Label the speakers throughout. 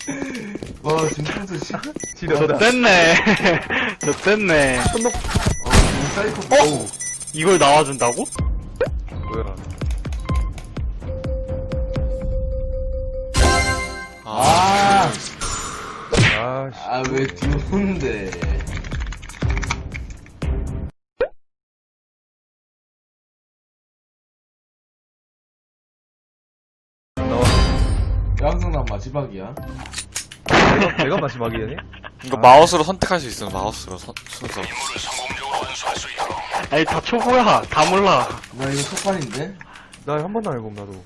Speaker 1: 와, 진통수
Speaker 2: 저 뗐네. 저 뗐네.
Speaker 1: 사이코.
Speaker 2: 어? 이걸 나와준다고?
Speaker 3: 뭐야. 아씨.
Speaker 1: 아, 왜 뒤오는데?
Speaker 3: 나와.
Speaker 1: 양승남 마지막이야.
Speaker 3: 내가 마지막이네?
Speaker 4: 이거 마우스로 선택할 수 있어. 마우스로 순서.
Speaker 2: 아니, 다 초보야. 다 몰라.
Speaker 1: 나 이거 첫판인데?
Speaker 3: 나 한 번도 안 해봄, 나도.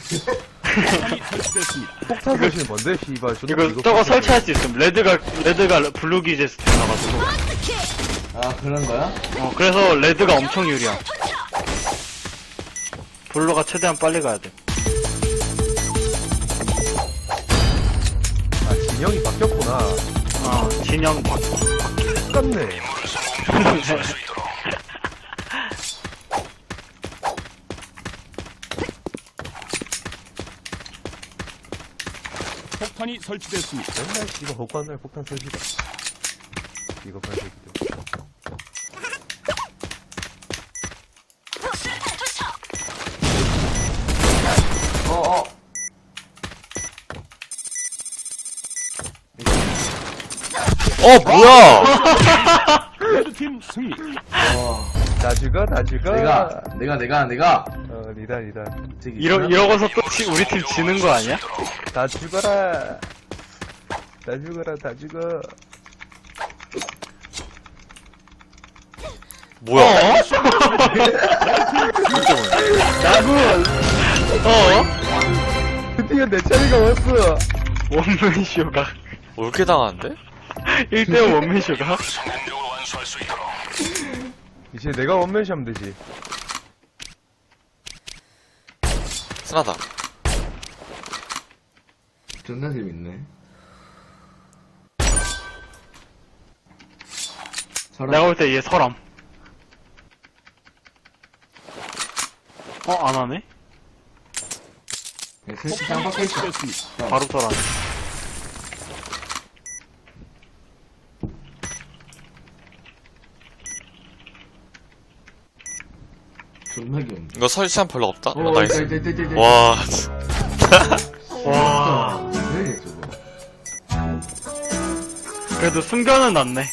Speaker 3: 폭탄 설치는 뭔데, 씨발.
Speaker 2: 이거 저거 설치할 수 있음. 레드가 블루 기제스 나가지고.
Speaker 1: 아, 그런 거야?
Speaker 2: 그래서 레드가 엄청 유리야. 블루가 최대한 빨리 가야 돼.
Speaker 3: 아, 진영이 바뀌었구나.
Speaker 2: 진영
Speaker 3: 똑같네.
Speaker 5: 폭탄이 설치됐습니다.
Speaker 3: 맨날 씨발 헛간날 폭탄 설치다. 이거 발색이다.
Speaker 4: 뭐야!
Speaker 5: 레드팀 승리.
Speaker 3: 다 죽어, 다 죽어.
Speaker 1: 내가.
Speaker 3: 니다.
Speaker 1: 저기.
Speaker 2: 이러고서 또 우리 팀 지는 거 아니야?
Speaker 3: 다 죽어라. 다 죽어라, 다 죽어.
Speaker 4: 뭐야?
Speaker 2: 야구.
Speaker 3: 드디어 내 차례가 왔어.
Speaker 2: 원맨쇼가.
Speaker 4: 뭐 이렇게 당하는데?
Speaker 2: 1대5 원맨쇼가.
Speaker 3: 이제 내가 원맨시 하면 되지.
Speaker 4: 순하다.
Speaker 1: 존나 재밌네.
Speaker 2: 내가 볼 때 얘 서람. 안 하네?
Speaker 1: 셋이 쌍박혀있어.
Speaker 5: 설치됐습니다.
Speaker 2: 바로 서람.
Speaker 1: 존나 귀엽네.
Speaker 4: 이거 설치한 별로 없다?
Speaker 1: 어,
Speaker 4: 나이스.
Speaker 1: 있다.
Speaker 4: 와,
Speaker 2: 와.
Speaker 1: 왜 저거?
Speaker 2: 그래도 숨겨는 놨네.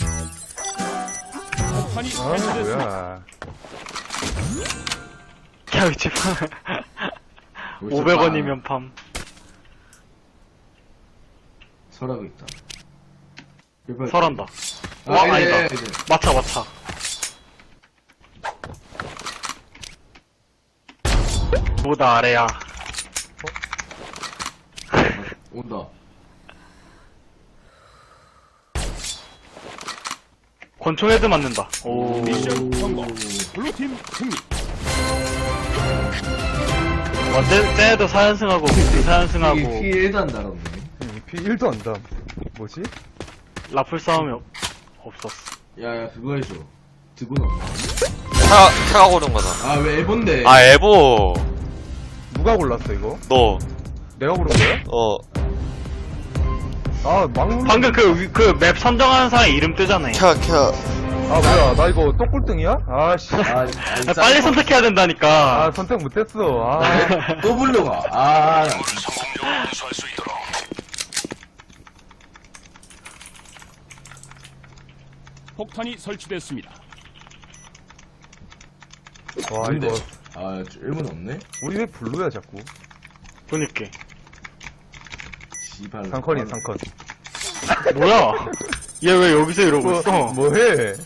Speaker 5: 폭탄이
Speaker 3: 아,
Speaker 5: 설치됐습니다.
Speaker 3: 뭐야.
Speaker 2: 야, 이 집. 500원이면 팜.
Speaker 1: 설하고 있다.
Speaker 2: 설한다.
Speaker 1: 아,
Speaker 2: 아니다.
Speaker 1: 예.
Speaker 2: 마차. 보다 아래야.
Speaker 1: 온다.
Speaker 2: 권총 헤드 맞는다. 오.
Speaker 5: 미션 성공. 블루팀 승리.
Speaker 2: 쟤도 4연승하고, 4연승하고,
Speaker 1: 피 1도 안 달았네.
Speaker 3: 피 1도 안 담. 뭐지?
Speaker 2: 라플 싸움이 없었어.
Speaker 1: 야, 그거 해줘. 드군 없나?
Speaker 4: 차가 고른 거다.
Speaker 1: 아, 왜 에본데?
Speaker 4: 아, 에보.
Speaker 3: 누가 골랐어, 이거?
Speaker 4: 너,
Speaker 3: 내가 고른 거야? 아,
Speaker 2: 방금 그 맵 선정하는 사람 이름 뜨잖아요.
Speaker 3: 아, 뭐야. 나 이거 또 꼴등이야? 아씨.
Speaker 2: 빨리 선택해야 된다니까.
Speaker 3: 아, 선택 못했어. 아.
Speaker 1: 또 불러가. 아,
Speaker 5: 폭탄이 설치됐습니다.
Speaker 3: 와,
Speaker 1: 근데.
Speaker 3: 이거.
Speaker 1: 아, 1분 없네?
Speaker 3: 우리 왜 블루야, 자꾸?
Speaker 2: 보니까.
Speaker 1: 씨발.
Speaker 3: 상컨이야, 상컨.
Speaker 2: 뭐야? 얘 왜 여기서 이러고 있어?
Speaker 3: 뭐해?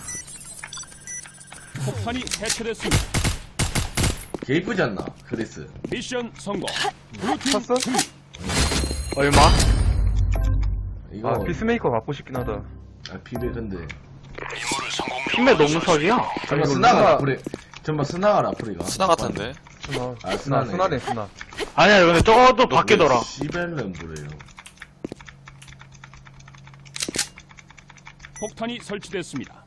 Speaker 5: 폭탄이 해체됐습니다.
Speaker 1: 개 이쁘지 않나? 크리스.
Speaker 5: 미션 성공. 블루팀
Speaker 3: 샀어?
Speaker 5: 승리.
Speaker 2: 얼마?
Speaker 1: 이거.
Speaker 3: 아, 피스메이커 갖고 싶긴 하다.
Speaker 1: 비베, 근데.
Speaker 2: 팀에 너무 석이야?
Speaker 1: 전마
Speaker 3: 이거
Speaker 1: 스나가
Speaker 3: 누가-
Speaker 1: 라프리. 전마 스나가 라프리가.
Speaker 4: 순하 같은데?
Speaker 3: 순아.
Speaker 1: 아,
Speaker 3: 순아,
Speaker 1: 순하네.
Speaker 3: 순아네, 순아.
Speaker 2: 아니야, 근데 저것도 바뀌더라.
Speaker 1: 시벨은 뭐래요?
Speaker 5: 폭탄이 설치됐습니다.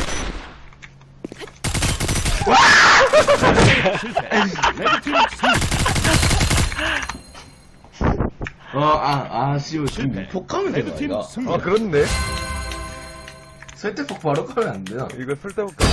Speaker 5: 실패. 레드팀 승리.
Speaker 1: 씨발, 지금
Speaker 5: 실패.
Speaker 1: 폭 가면 되나,
Speaker 5: 레드팀
Speaker 1: 이거?
Speaker 5: 승리.
Speaker 3: 아, 그렇네.
Speaker 1: 설대폭 바로 가면 안 되나?
Speaker 3: 이거 쓸데없다.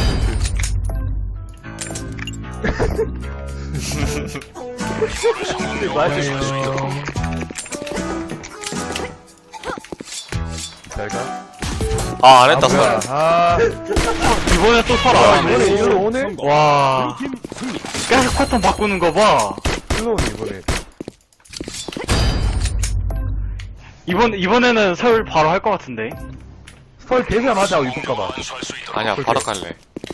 Speaker 3: 잘 가.
Speaker 4: 아, 안 했다,
Speaker 3: 뭐야.
Speaker 4: 설.
Speaker 3: 아,
Speaker 2: 이번에 또 설
Speaker 3: 아,
Speaker 2: 안
Speaker 3: 이번에
Speaker 2: 하네.
Speaker 3: 일로 오네?
Speaker 5: 성공.
Speaker 2: 와,
Speaker 5: 블루팀 승리.
Speaker 2: 계속 패턴 바꾸는 거 봐.
Speaker 3: 일로 오네, 이번에.
Speaker 2: 이번에는 설 바로 할 것 같은데.
Speaker 3: 설 되자마자 입을까봐.
Speaker 4: 아니야, 바로 갈래.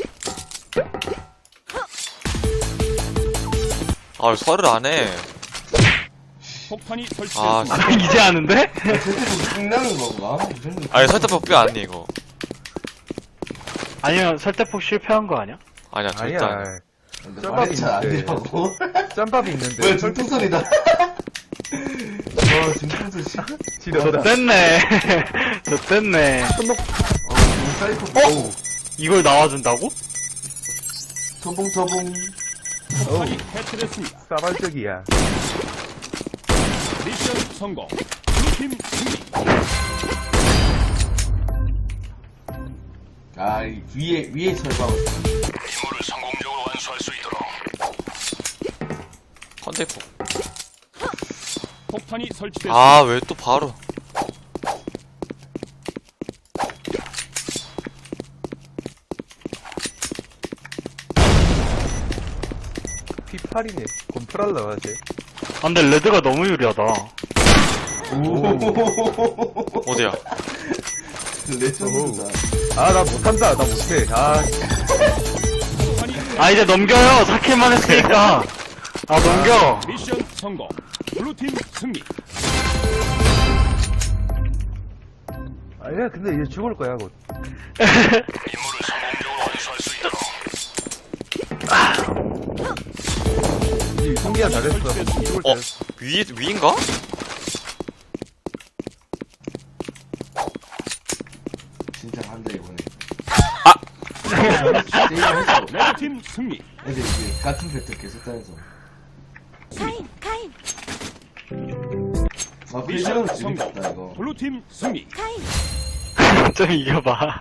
Speaker 4: 아, 설을 안 해.
Speaker 5: 폭탄이
Speaker 4: 아,
Speaker 5: 설치됐습니다.
Speaker 2: 이제 아는데?
Speaker 1: 설대폭 끝나는 건가? 이 정도.
Speaker 4: 아니, 설대폭 뼈 아니, 이거.
Speaker 2: 아니면 설대폭 실패한 거 아니야?
Speaker 4: 아니야, 절대 아니야.
Speaker 3: 아니야.
Speaker 1: 근데
Speaker 3: 짬밥이
Speaker 1: 말이 잘안
Speaker 3: 있는데.
Speaker 1: 되라고.
Speaker 3: 짬밥이 있는데.
Speaker 1: 뭐야, 중풍선이다. 중풍선 씨.
Speaker 3: 지렸다.
Speaker 2: 됐네. 저 됐네.
Speaker 1: 사이코. 오.
Speaker 2: 이걸 나와준다고?
Speaker 1: 서봉.
Speaker 5: 폭탄이 해체됐습니다.
Speaker 3: 싸발적이야.
Speaker 5: 미션 성공. 블루팀 승리.
Speaker 1: 위에 설방을.
Speaker 4: 컨택폭.
Speaker 5: 폭탄이 설치됐습니다.
Speaker 4: 아, 왜 또 바로.
Speaker 3: P8이네. 곰프랄라, 하지.
Speaker 2: 아, 근데 레드가 너무 유리하다.
Speaker 4: 어디야?
Speaker 1: 레전드다.
Speaker 3: 아, 나 못한다. 나 못해. 아,
Speaker 5: 폭탄이
Speaker 2: 아, 이제 넘겨요. 4킬만 했으니까. 아, 넘겨.
Speaker 5: 미션 성공. 블루팀 승리.
Speaker 3: 아니야, 근데 이제 죽을 거야, 곧. 이 성기야 잘했어. 죽을 때.
Speaker 4: 어, 위인가?
Speaker 1: 진짜 한다, 이번에.
Speaker 4: 아!
Speaker 5: 레드팀 승리.
Speaker 1: 애들 이제 같은 패턴 계속 다녀서.
Speaker 6: 카인,
Speaker 5: 미션
Speaker 1: 필드는
Speaker 5: 성공.
Speaker 1: 재밌다, 이거.
Speaker 5: 블루팀 승리.
Speaker 2: 좀 이겨봐.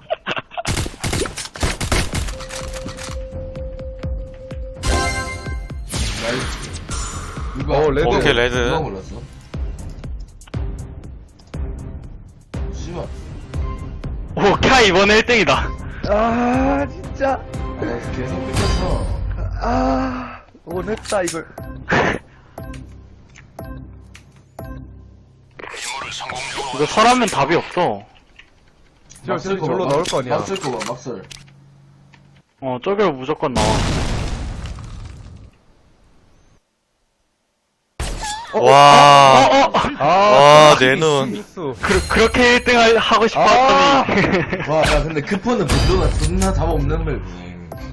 Speaker 1: 누가,
Speaker 3: 레드.
Speaker 4: 오케이, 레드.
Speaker 1: 누가 몰랐어? 씨발.
Speaker 2: 오, 캬, 이번에 1등이다.
Speaker 3: 아, 진짜.
Speaker 1: 나 계속 삐졌어.
Speaker 3: 아, 원했다, 이걸.
Speaker 2: 이거 설하면 답이 없어.
Speaker 3: 저기 절로 나올 거 아니야.
Speaker 1: 막설 거 봐, 막설.
Speaker 2: 저기로 무조건 나와.
Speaker 4: 와,
Speaker 3: 아,
Speaker 4: 와, 내 눈.
Speaker 3: 실수.
Speaker 2: 그렇게 1등 하고 싶었더니.
Speaker 1: 와, 야, 근데 크포는 분도가 존나 답 없는 맵이.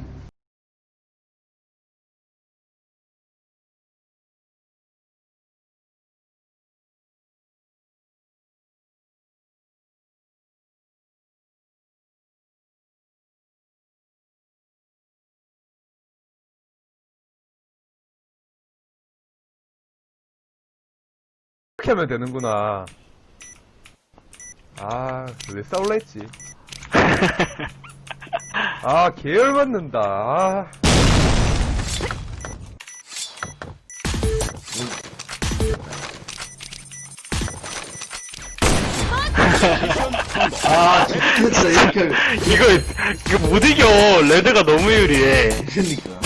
Speaker 3: 이렇게 하면 되는구나. 아, 왜 싸울라 했지? 아, 계열 받는다. 아.
Speaker 1: 아, 진짜 이렇게 하면.
Speaker 2: 이거 못 이겨. 레드가 너무 유리해.
Speaker 1: 그러니까.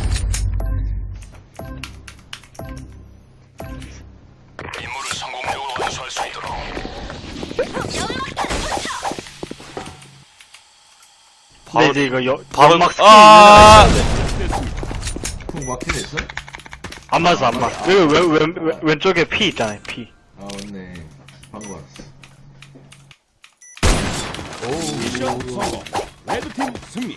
Speaker 2: 근데 이제 이거
Speaker 4: 바로,
Speaker 2: 연막 스킨
Speaker 4: 아!
Speaker 1: 쿵 막히네 했어?
Speaker 2: 안 맞아, 안 맞아. 왼쪽에 P 있잖아요, P.
Speaker 1: 아, 맞네. 방금 알았어.
Speaker 5: 미션 성공. 레드팀 승리.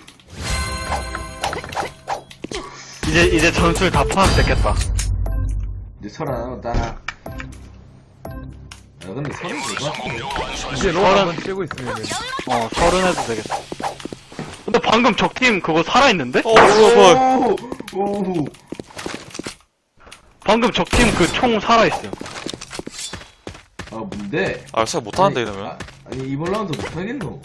Speaker 2: 이제 전술 다 포함됐겠다.
Speaker 1: 이제 설 안 하면 따라. 야, 근데 설은 될것 같은데.
Speaker 3: 이제 로 한번 쬐고 있으면은.
Speaker 2: 설은 해도 되겠다. 근데 방금 적팀 그거 살아있는데?
Speaker 4: 오, 뭐.
Speaker 1: 오,
Speaker 2: 방금 적팀 그 총 살아있어요.
Speaker 1: 아, 뭔데?
Speaker 4: 아, 진짜 못하는데,
Speaker 1: 아니,
Speaker 4: 이러면.
Speaker 1: 아니, 이번 라운드 못하겠노?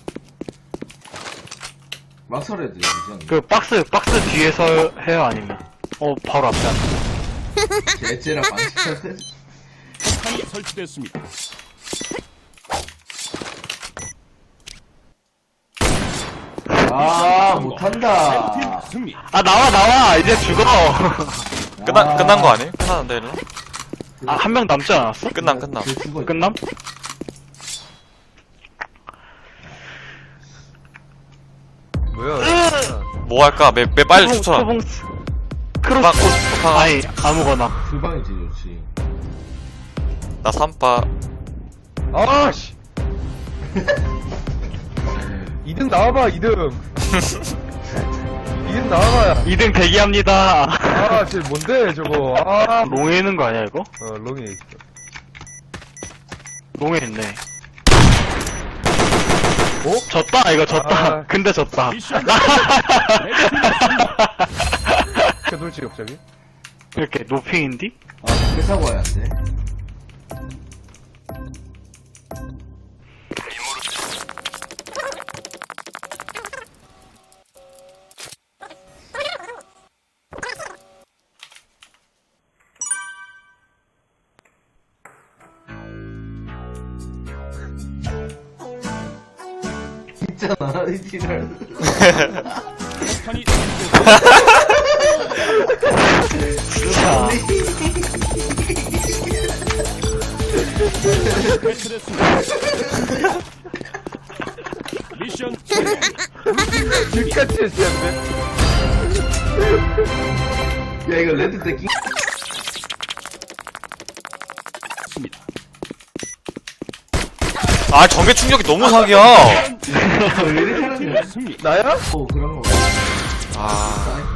Speaker 1: 막 설해야 돼, 이상.
Speaker 2: 그 박스 뒤에서 해요 아니면? 바로 앞에 앉아.
Speaker 1: 개째랑 방식할 때.
Speaker 5: 폭탄이 설치됐습니다.
Speaker 1: 아,
Speaker 5: 레드팀
Speaker 1: 못한다.
Speaker 5: 승리.
Speaker 2: 아 나와 이제 죽어.
Speaker 4: 끝난 거 아니에요? 끝났는데, 이러면?
Speaker 2: 아 한 명 남지 않았어?
Speaker 4: 끝남.
Speaker 1: 쟤 죽어.
Speaker 2: 끝남?
Speaker 3: 뭐야?
Speaker 4: 뭐 할까? 매 빨리 추천하.
Speaker 2: 크로스
Speaker 4: 막,
Speaker 2: 아니 아무거나.
Speaker 1: 후방이 제일 좋지.
Speaker 4: 나 3바.
Speaker 3: 아씨. 2등 나와봐 2등. 2등 나와봐.
Speaker 2: 2등 대기합니다.
Speaker 3: 아, 쟤 뭔데 저거? 아,
Speaker 2: 롱에 있는 거 아니야 이거?
Speaker 3: 롱이 있어.
Speaker 2: 롱에 있네. 졌다 이거 졌다.
Speaker 3: 아.
Speaker 2: 근데 졌다.
Speaker 5: 미션 레드팀 승리.
Speaker 3: 최돌지 갑자기?
Speaker 2: 이렇게 노핑인디?
Speaker 1: 아, 회사고 와야 돼. 있잖아, 이 지랄.
Speaker 5: 폭탄이 설치됐습니다.
Speaker 2: 자,
Speaker 5: 해체됐습니다. 미션 성공. 블루팀 승리.
Speaker 3: 같이 했었는데?
Speaker 1: 야, 이거 레드 때 끼.
Speaker 5: 습니다.
Speaker 4: 아, 전개 충격이 너무 사기야.
Speaker 1: 왜 이렇게 하는 거야?
Speaker 5: 블루팀 승리.
Speaker 3: 나야?
Speaker 1: 그런 거.
Speaker 4: 아,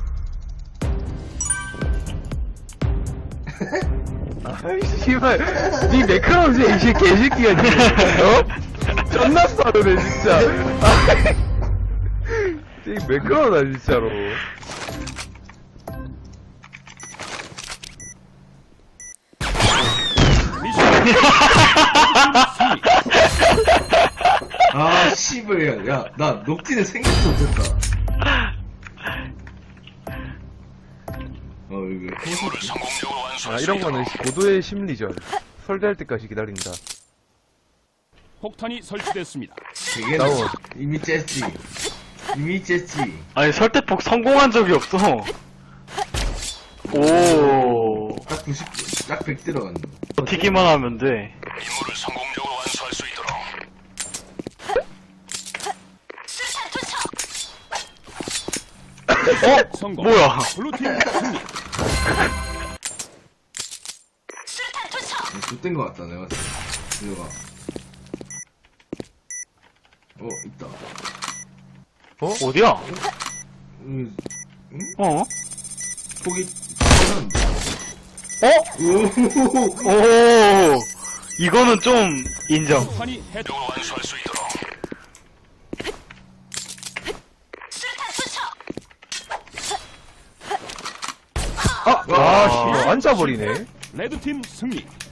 Speaker 3: 아이, 씨발. 니 매크로지, 이 개새끼가, 니. 존나 싸르네, 진짜. 이 매크로다, 진짜로.
Speaker 5: 미션 승리.
Speaker 1: 아, 씨발, 야, 나 녹진에 생각도 못했다. 이거
Speaker 3: 아, 이런 거는 고도의 심리전. 설계할 때까지 기다린다.
Speaker 5: 폭탄이 설치됐습니다.
Speaker 1: 되게
Speaker 3: 나온.
Speaker 1: 이미 쨌지. 이미 쨌지.
Speaker 2: 아니 설대폭 성공한 적이 없어. 오,
Speaker 1: 딱 90, 딱 100 들어갔네.
Speaker 2: 버티기만 하면 돼.
Speaker 5: 성공.
Speaker 2: 뭐야?
Speaker 5: 블루팀 승리.
Speaker 1: 좆된 거 같다, 내가. 이거 봐. 있다.
Speaker 2: 어디야?
Speaker 1: 응?
Speaker 2: 어?
Speaker 1: 폭이,
Speaker 2: 오, 이거는 좀 인정.
Speaker 5: 폭탄이 해.
Speaker 3: 아, 씨발, 앉아버리네.
Speaker 5: 레드팀 승리.